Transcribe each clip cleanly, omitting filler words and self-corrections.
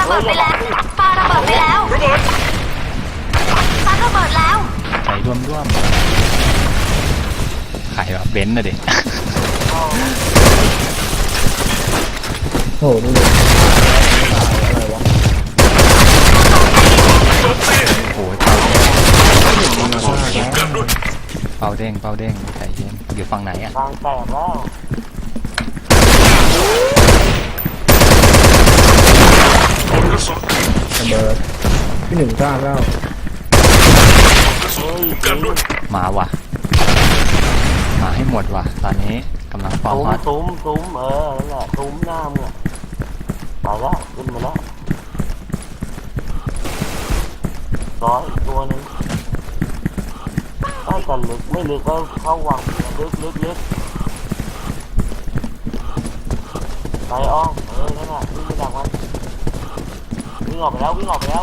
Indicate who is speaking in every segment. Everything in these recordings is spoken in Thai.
Speaker 1: เบิดไปแล้วปาระเบิดไปแล้วปาระเบิดแล้ว
Speaker 2: ใจร่วมขายแบบเบนซ์นะเด็ก
Speaker 3: โอ้โหนี่เลยอะไรวะ
Speaker 2: โอ้ยเป่าเด้งใจเย็นอยู่ฝั่งไหนอ่ะ
Speaker 4: ทางแตกแล้ว
Speaker 3: ระเบิดที่หนึ่งก้าแล้ว
Speaker 2: มาว่ะมาให้หมดว่ะตอนนี้กำลังฟอร์มฮอต
Speaker 4: ตุ้มนั่นแหละตุ้มหน้ามึงไปแล้วขึ้นมาแล้วร้อยตัวนึงถ้าจะลึกไม่ลึกก็เข้าวังลึกไปอ้อมนั่นแหละวิ่งไปดักมันวิ่งออกไปแล้ว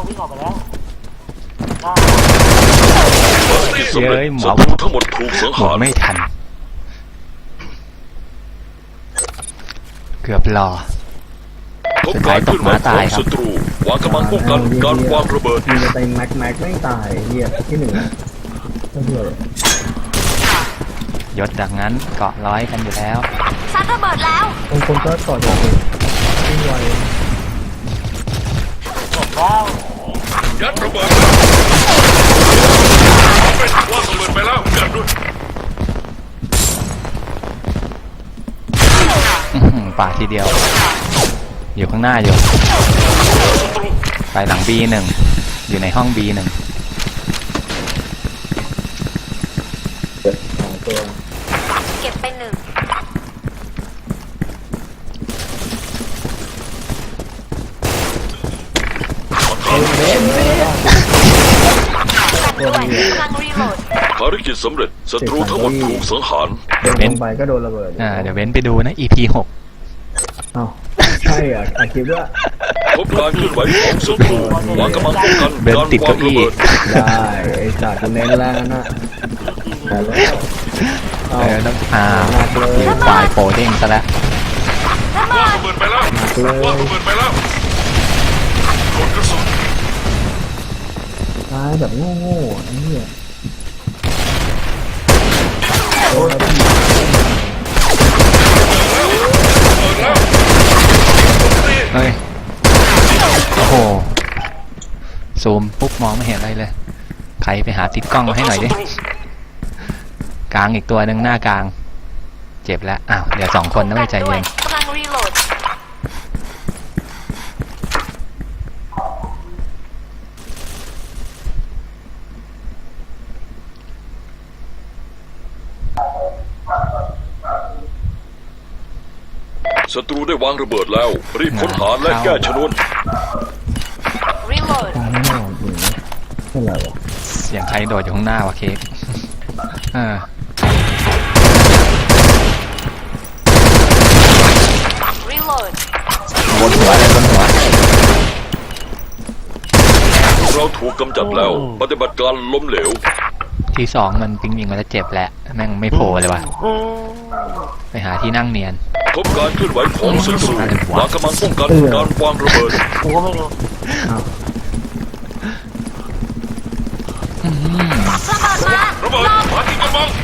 Speaker 2: เย้ยหมอ
Speaker 5: ทั้งหมดถูกสังหาร
Speaker 2: ไม่ทันเกือบรอสุดท้ายตกม้าตายครับ
Speaker 5: วางกำลังป้องกันการวางระเบิด
Speaker 3: มีแต่แม็กไม่ตายเหี้ยที่หนึ่งก็เหี้ย
Speaker 2: ยศจากนั้นเกาะร้อยกันอยู่แล้ว
Speaker 1: ซัดระเบิดแล้ว
Speaker 3: บางคนก็ต่อจากวิ่งไว
Speaker 5: ยัดระเบิดวางระเบิดไปแล้วยัดด้วย
Speaker 2: ป่าทีเดียวอยู่ข้างหน้าอยู่ไปหลัง B1 อยู่ในห้อง B1
Speaker 3: ตัว
Speaker 1: เก็บไป1กำลังรีโหลด
Speaker 5: ภารกิจสำเร็จศัตรูทั้งหมดถูกสังหาร
Speaker 3: เดี๋ยวเว้นไปก็โดนระเบิด
Speaker 2: เดี๋ยวเว้นไปดูนะ EP 6
Speaker 3: อ้าวใช่อ่ะคิดว่า
Speaker 5: พบการเคลื่อนไหวของศัตรูวางกำลังป้องกัน
Speaker 2: เบนติดเก้าอี้
Speaker 3: ได้ไอ้สัตว์กูเน้นแล้วนะ
Speaker 2: ต้องอยู่ฝ่ายโปรเด้งซะแล้ว
Speaker 5: วางระเบิดไปแล้วกดกระสุน
Speaker 3: ตายแบบโง่ไอ้เหี้ย
Speaker 2: เฮ้ยโอ้โหซูมปุ๊บมองไม่เห็นอะไรเลยใครไปหาติดกล้องมาให้หน่อยดิกลางอีกตัวหนึ่งหน้ากลางเจ็บแล้วอ้าวเดี๋ยว2คนนะไม่ใจเย็น
Speaker 1: กำลังรีโหลด
Speaker 5: ศัตรูได้วางระเบิดแล้วรีบค้นหาและแก้ชนวน
Speaker 1: รีโหลด
Speaker 2: เสียงใครโดดอยู่ข้างหน้าวะเค้ก
Speaker 1: รีโหลด
Speaker 2: บนหัว
Speaker 5: เราถูกกำจัดแล้วปฏิบัติการล้มเหลว
Speaker 2: ที่2มันปิงยิงมาแล้วเจ็บแล้วแม่งไม่โผล่เลยว่ะไปหาที่นั่งเนียน
Speaker 5: พบการเคลื่อนไหวของศัตรูวางกำลังป้องกันการวางระเบิด
Speaker 4: กูก็ไม่รู้
Speaker 5: ระเบิดมาที่กำบัง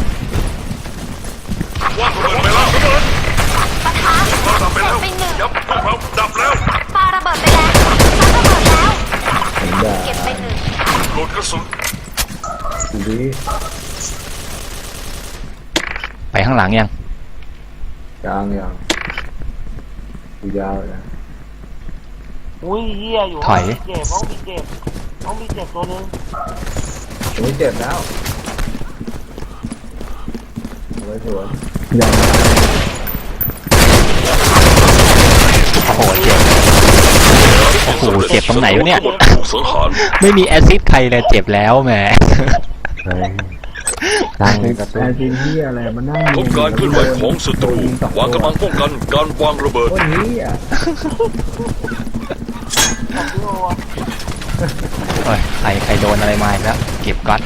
Speaker 5: วางระเบิดไปแล้วระเบิด
Speaker 1: ปะทะ
Speaker 5: ดับไปแล้วยับพวกเราดับแล้ว
Speaker 1: ปาระเบิดไปแล้วปาระเบิดแล้วเก็บไป1
Speaker 5: โหลดกระสุน
Speaker 2: ไปข้างหลังยัง
Speaker 3: ยังยาวเลย
Speaker 4: อุ้ยเหี้ยอยู่
Speaker 2: ถอย
Speaker 4: ห้องมีเจ็บตัวนึง
Speaker 3: ไม่เจ็บแล้วเอาไว้สวนยัง
Speaker 2: โอ้โหเจ็บเจ็บตรงไหนวะเนี่ยไม่มีแอซิดใครเลยเจ็บแล้วแหม
Speaker 3: ตั้งกระตุ้นที่อะไรมานั่ง
Speaker 5: พบการเคลื่อนไหวของศัตรูวางกำลังป้องกันการวางระเบิด
Speaker 2: ใครโดนอะไรมาแล้วเก็บก๊อต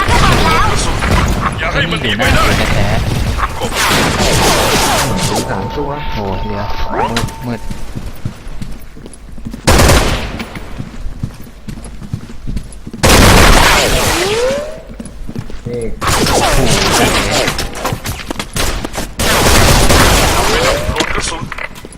Speaker 5: อย่าให้มันหนีไปได้
Speaker 2: แท้
Speaker 3: 3 ตัวตัว
Speaker 2: โอ้เดี๋ยวมืด
Speaker 3: นี่
Speaker 5: โดนกระสุน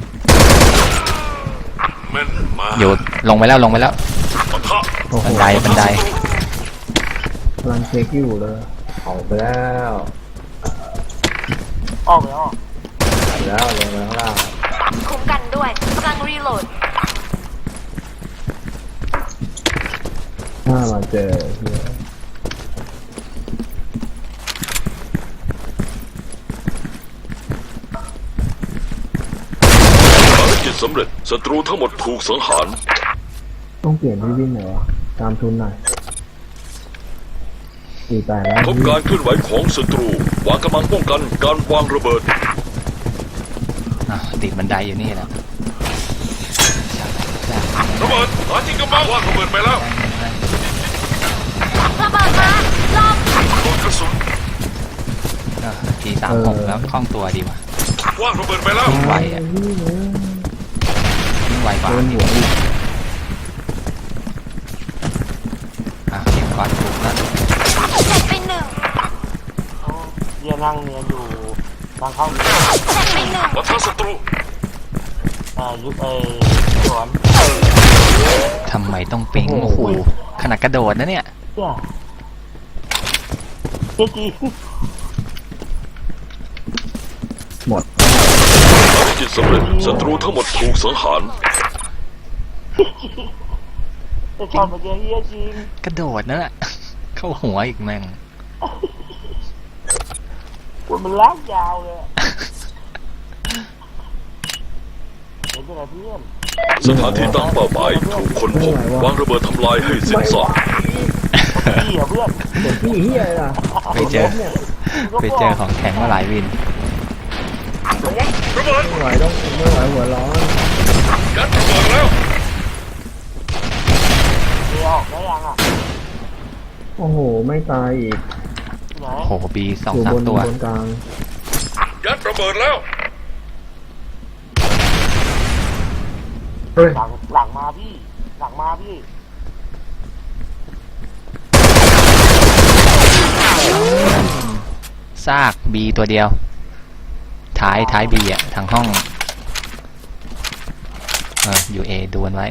Speaker 5: แม่นมา
Speaker 2: อยู่ลงไปแล้วลงไปแล้ว
Speaker 5: ปะทะ
Speaker 3: โอ้โห
Speaker 2: บันไดบันได
Speaker 3: กำลังเช็คอยู่เลยออกไปแล้ว
Speaker 4: ออกไปออก
Speaker 3: ออกไปแล้วลงมาข้างล่าง
Speaker 1: คุ้มกันด้วยกำลังรีโหลด
Speaker 3: ถ้ามาเจอเหี้ย
Speaker 5: ภารกิจสำเร็จศัตรูทั้งหมดถูกสังหาร
Speaker 3: ต้องเปลี่ยนที่วิ่งหน่อยวะตามทุนหน่อย48แล้ว
Speaker 5: พบการเคลื่อนไหวของศัตรูวางกำลังป้องกันการวางระเบิด
Speaker 2: อ่ะติดบันไดอยู่นี่แหละ
Speaker 5: ระเบิดหาที่กำบังวางระเบิดไปแล้ว
Speaker 1: ระเบิดมาลอง
Speaker 5: โดนกระสุน
Speaker 2: ที36แล้วคล่องตัวดีว่ะ
Speaker 5: วางระเบิดไปแล้ว
Speaker 2: วิ่งไวอ่ะวิ่งไวกว่า
Speaker 3: โดนหัวอีก
Speaker 2: เก็บก้อนถูกแล้ว
Speaker 1: เสร็จไปหนึ่ง
Speaker 4: โอ้เยี่ยนั่งเนียนอยู่ทางเข้า
Speaker 1: เสร็จไปหนึ่ง
Speaker 5: ปะทะศัตรู
Speaker 4: ยุคสวน
Speaker 2: ทำไมต้องปิ๊งโอ้โหขนาดกระโดดนะเนี่ย
Speaker 4: เจ้าเจ๊จี
Speaker 3: หมด
Speaker 5: ภารกิจสำเร็จศัตรูทั้งหมดถูกสังหาร
Speaker 4: จะชอบมาเจอเฮียจริง
Speaker 2: กระโดดนั่นแหละเข้าหัวอีกแม่ง
Speaker 4: มันลากยาวเลยเห็นไหมเพื่อน
Speaker 5: สถานที่ตั้งเป้าหมายถูกคนพบวางระเบิดทำลายให้สิ้นซาก
Speaker 4: พี่เหรอเพื่อน
Speaker 3: เดี๋ยวพี่เฮียอะไรล่ะ
Speaker 2: ไปเจอ ไปเจอของแข็งมาหลายวิน
Speaker 5: ระเบิด
Speaker 3: ไม่ไหวต้องไม่ไหวหัวร้อน
Speaker 5: ยัดระเบิดแล้ว
Speaker 4: เดี๋ยวออกได้ยังอ่ะ
Speaker 3: โอ้โหไม่ตายอีก
Speaker 4: ที่ไหน
Speaker 2: โอ้โหบีสอง
Speaker 3: อยู่
Speaker 2: สา
Speaker 3: บ
Speaker 2: ม
Speaker 3: น
Speaker 2: ตัว
Speaker 3: บนกลาง
Speaker 5: ยัดระเบิดแล้ว
Speaker 3: เฮ้ย
Speaker 4: หลังมาพี่หลังมาพี่
Speaker 2: ซากบีตัวเดียว ท้ายบีอ่ะทางห้องอยู่เอดวนไว้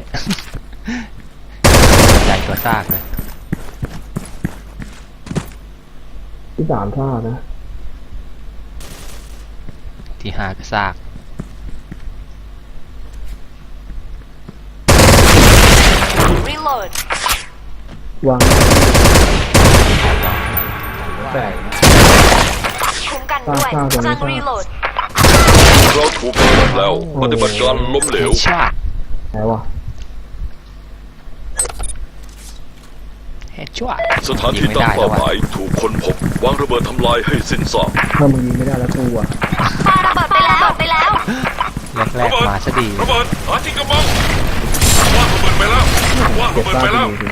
Speaker 2: ใหญ่ตัวซากเลย
Speaker 3: ที่3ท่านะ
Speaker 2: ที่5ก็ซาก
Speaker 1: รีโหลด
Speaker 3: วางแตก
Speaker 1: คุ้มกันด้วยกำลังรีโหลด
Speaker 5: เราถูกกำจัดแล้วปฏิบัติการล้มเหลว
Speaker 2: ชาติ
Speaker 3: ไหนวะ
Speaker 2: เฮดชั่ว
Speaker 5: สถานที่ตั้งเป้าหมายถูกคนพบวางระเบิดทำลายให้สิ้นซาก
Speaker 3: ถ้ามึงยิงไม่ได้แล้วกูอ่ะ
Speaker 1: ปาระเบิดไปแล้ว
Speaker 2: แรกๆมาซะดี
Speaker 5: ระเบิดหาที่กำบังวางระเบิดไปแล้ววาง
Speaker 3: เก็
Speaker 5: ระ
Speaker 3: บ
Speaker 5: เบิด
Speaker 3: ตา
Speaker 5: ไป
Speaker 3: ไป
Speaker 5: แล้ว
Speaker 3: ดูสิ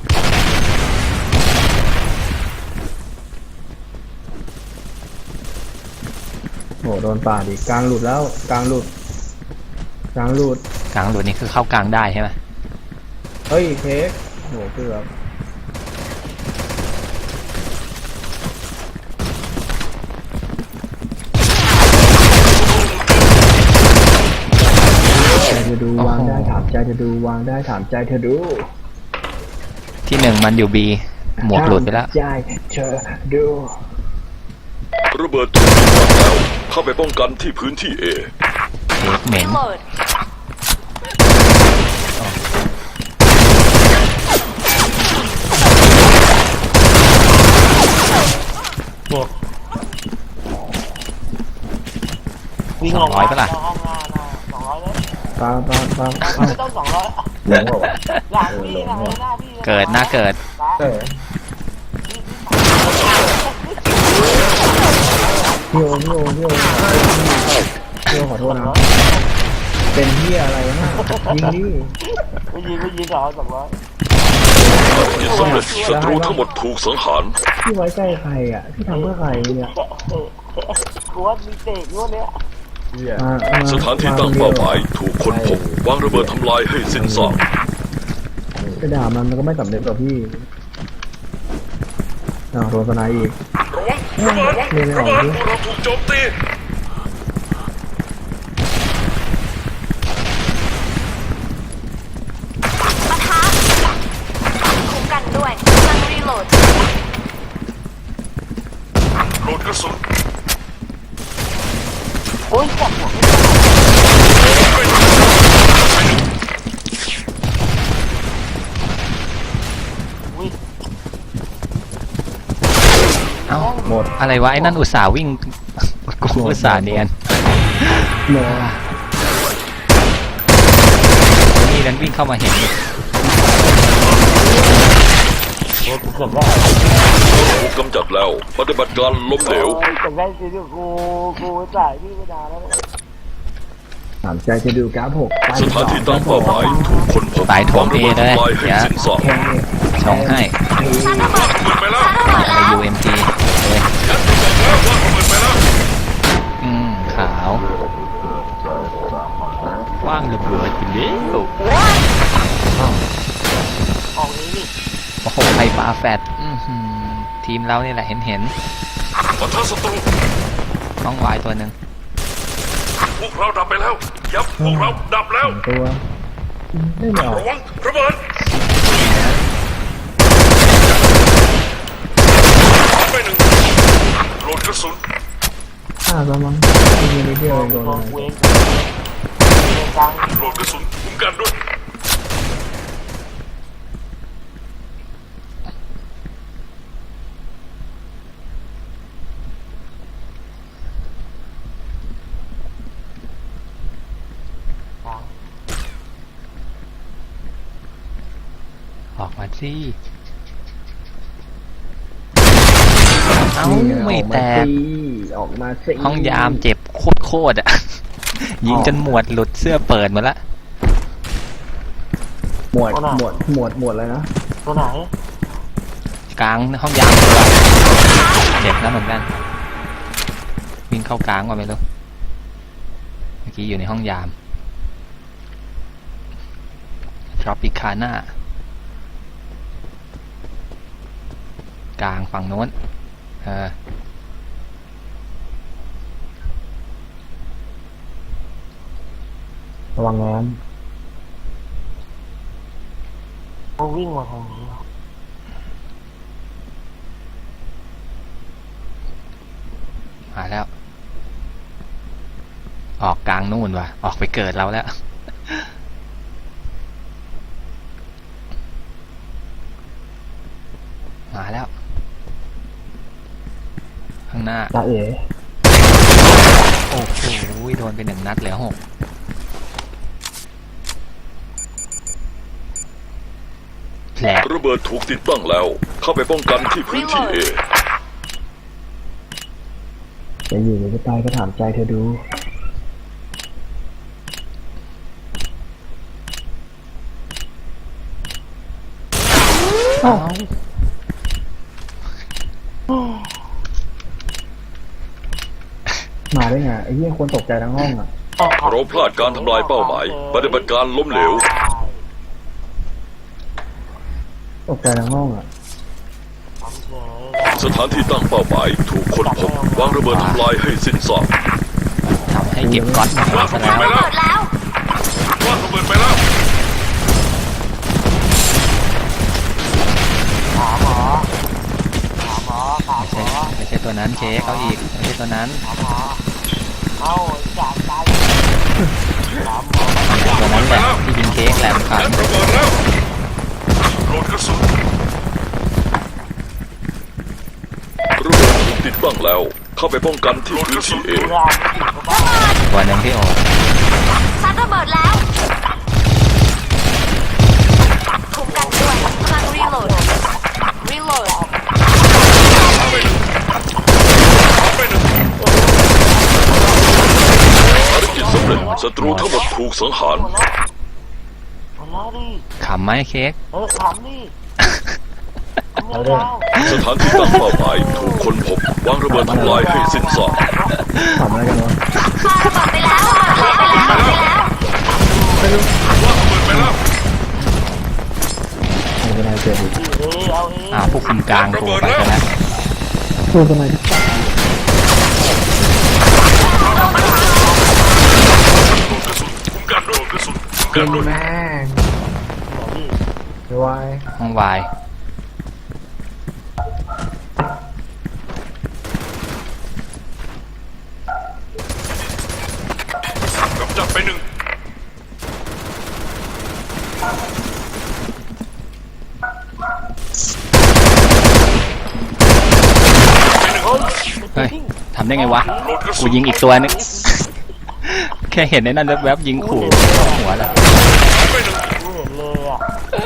Speaker 3: โอ้โหโดนป่าดิกลางหลุดแล้วกลางหลุดกลางหลุด
Speaker 2: กลางหลุดนี่คือเข้ากลางได้ใช่ไหม
Speaker 3: เฮ้ยเค้กโหเกือบใจจะดูวางได้ถามใจจะดูวางได้ถามใจเธอดู
Speaker 2: ที่1มันอยู่บีหมวกหลุดไปแล้ว
Speaker 3: ถามใจเธอดู
Speaker 5: ระเบิดถูกยิงวางแล้วเข้าไปป้องกันที่พื้นที่ A
Speaker 2: เค้กเหม็
Speaker 1: รี
Speaker 2: น
Speaker 1: โหลด
Speaker 4: เจ็บวิ่งลงมาห้องงาน200เลย
Speaker 3: ปา
Speaker 4: ไม่ต้อง200
Speaker 3: หลงเหรอวะ
Speaker 4: หลังพี่นะหน้าพี่
Speaker 2: เกิดหน้าเกิด
Speaker 3: เออพี่โอขอโทษนะเป็นเฮียอะไรนะยิงดิ
Speaker 4: ไม่ยิงเหรอ200
Speaker 5: ภารกิจสำเร็จศัตรูทั้งหมดถูกสังหาร
Speaker 3: พี่ไว้ใจใครอ่ะพี่ทำเพื่อใครเนี่ย
Speaker 4: กลัวมีเตะอยู่เนี้ย
Speaker 5: สถานที่ตั้งเป้าหมายถูกค้นพบวางระเบิดทำลายให้สิ้นซาก
Speaker 3: ไปด่ามันก็ไม่สำเร็จหรอกพี่โดนสไนอีก
Speaker 5: ระวังระเบิด
Speaker 3: เล่นไม่ออกดิ
Speaker 5: เราถูกโจมตี
Speaker 1: ปะทะคุ้มกันด้วยกำลังรีโหลด
Speaker 5: โหลดกระสุน
Speaker 4: โอ้ยจับหัว
Speaker 2: เอ้า
Speaker 3: หมด
Speaker 2: อะไรวะไอ้นั่นอุตส่าห์วิ่ง กูอุตส่าห์เนียน
Speaker 3: หมด
Speaker 2: นี่นั้นวิ่งเข้ามาเห็น
Speaker 4: โอ้ยเกือบได้
Speaker 5: ถูกกำจัดแล้วปฏิบัติการล้มเหลว
Speaker 4: โอ้ยเกือบได้จริงๆกูจ่ายพี่ไม่นานแล้ว
Speaker 3: ถามใจจะดูกราฟหก
Speaker 5: สถานที่ตั้งเป้าหมายถูกค้นพบ
Speaker 2: สายโถม
Speaker 5: วางระเบิด
Speaker 2: เอเลย
Speaker 5: ทำลายให้สิ้นซาก
Speaker 3: แค่
Speaker 2: ชงให้
Speaker 1: ชาร์จระเบิด
Speaker 5: เปิดไปแล้ว
Speaker 1: ชาร์จระเบิด
Speaker 2: ใน
Speaker 1: แล้ว
Speaker 2: UMG เลย
Speaker 5: ยัดระเบิดแล้ววางระเบิดไปแล้ว
Speaker 2: ขาวว่างระเบิดไปเร็ว
Speaker 4: ออกนี้นี่
Speaker 2: โอ้โหไฟฟ้าแฟดทีมเรานี่แหละเห็น
Speaker 5: ปะทะศัตรู
Speaker 2: น้องวายตัวหนึ่ง
Speaker 5: พวกเราดับไปแล้วยับพวกเราดับแล้ว
Speaker 3: ตัวไม่ออก
Speaker 5: ระวังระเบิดไปหนึ่งโหลดกระสุน
Speaker 3: แล้วมั้งยิงนิดเดียวโดน
Speaker 4: โด
Speaker 3: อะ
Speaker 4: น
Speaker 3: ไร
Speaker 4: เวงเวงกลาง
Speaker 5: โหลดกระสุนคุ้มกันด้วย
Speaker 2: ออกมาสิเอ้าไม่แตก
Speaker 3: ออกมาสิ
Speaker 2: ห้องยามเจ็บโคตรอ่ะ ยิงจนหมวดหลุดเสื้อเปิดหมดละ
Speaker 3: หมวดเลยนะ
Speaker 4: ตัวไหน
Speaker 2: กลางห้องยามตัวเจ็บแล้วเหมือนกัน วิ่งเข้ากลางว่าไม่รู้เมื่อกี้อยู่ในห้องยามทรอปิคาน่ากลางฝั่งโน้น
Speaker 3: ระวังงาน
Speaker 4: เขาวิ่งมาทางนี้
Speaker 2: มาแล้ว ออกกลางนู่นว่ะออกไปเกิดเราแล้ว มาแล้ว ข้างหน้า
Speaker 3: ตาเอ๋
Speaker 2: โอ้โหโดนไป1 นัดเหลือ6แผล
Speaker 5: ระเบิดถูกติดตั้งแล้ว เข้าไปป้องกันที่พื้นที่ A
Speaker 3: จะอยู่หรือจะตายก็ถามใจเธอดูมาได้ไงไอ้เหี้ยคนตกใจทั้งห้องอ่ะ
Speaker 5: เราพลาดการทำลายเป้าหมาย ปฏิบัติการล้มเหลว
Speaker 3: ตกใจทั้งห้องอ่ะ
Speaker 5: สถานที่ตั้งเป้าหมายถูกค้นพบวางระเบิดทำลายให้สิ้นซาก
Speaker 2: ทำให้เก็บก๊อตมา
Speaker 5: วาง
Speaker 2: ซะ
Speaker 5: ระเบิด
Speaker 2: แล้ว
Speaker 5: ไปแล้ววางระเบิดไปแล้ว
Speaker 4: ขาหมอขาหมอขาหมอ
Speaker 2: ไม่ใช่ตัวนั้นเค้กเอาอีกไม่ใช่ตัวนั้น
Speaker 4: ขาหมอเอาจ่ายตายขาหมอ
Speaker 2: ตัวนั้นแหละที่ยิงเค้กแหลมขาด
Speaker 5: ยัดระเบิดแล้วโหลดกระสุนระเบิดถูกติดตั้งแล้ว เข้าไปป้องกันที่พื้นที่ A
Speaker 4: ดูแลไม่ถึงก็บ้า
Speaker 2: ตัวหนึ่งที่โอ
Speaker 1: ชาร์จระเบิดแล้วคุ้มกันด้วยกำลังรีโหลดรีโหลด
Speaker 5: ภารกิจสำเร็จศัตรูทั้งหมดถูกสังหาร
Speaker 4: หมดแล้วดิ
Speaker 2: ขำไหมเค้ก
Speaker 4: ถามดิทำยาว
Speaker 5: สถานที่ตั้งเป้าหมายถูกค้นพบวางระเบิดทำลายให้สิ้นซาก
Speaker 3: ทำอะไรกันวะ
Speaker 1: ปาระเบิดไปแล้ว
Speaker 3: เจ็บอีก
Speaker 4: เอาเอง
Speaker 2: ผู้คุมกลางโทรไปกันแล้ว
Speaker 3: ตัวทำไมที่ตัด
Speaker 5: คุ้มกันด้วยกระสุนคุ้มกันด้วย
Speaker 3: แม่งไม่ไหว
Speaker 2: ห้องวาย
Speaker 5: กับจับไปหนึ่ง
Speaker 2: เฮ้ยทำได้ไงวะ กูยิงอีกตัวนึง แค่เห็นในนั้นแวบๆยิงขู่หัวแล้ว
Speaker 5: ไปหนึ่ง
Speaker 4: กูเห็นเลยอ่ะ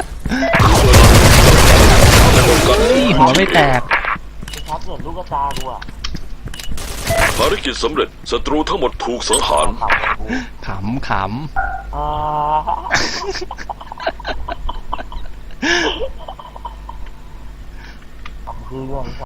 Speaker 2: หัวไม่แตก
Speaker 4: ชัดเหมือนลูกกระตากูอ่ะ
Speaker 5: ภารกิจสำเร็จศัตรูทั้งหมดถูกสังหาร
Speaker 4: ขับเลยกู
Speaker 2: ขำ
Speaker 4: อ่าคือเรื่อง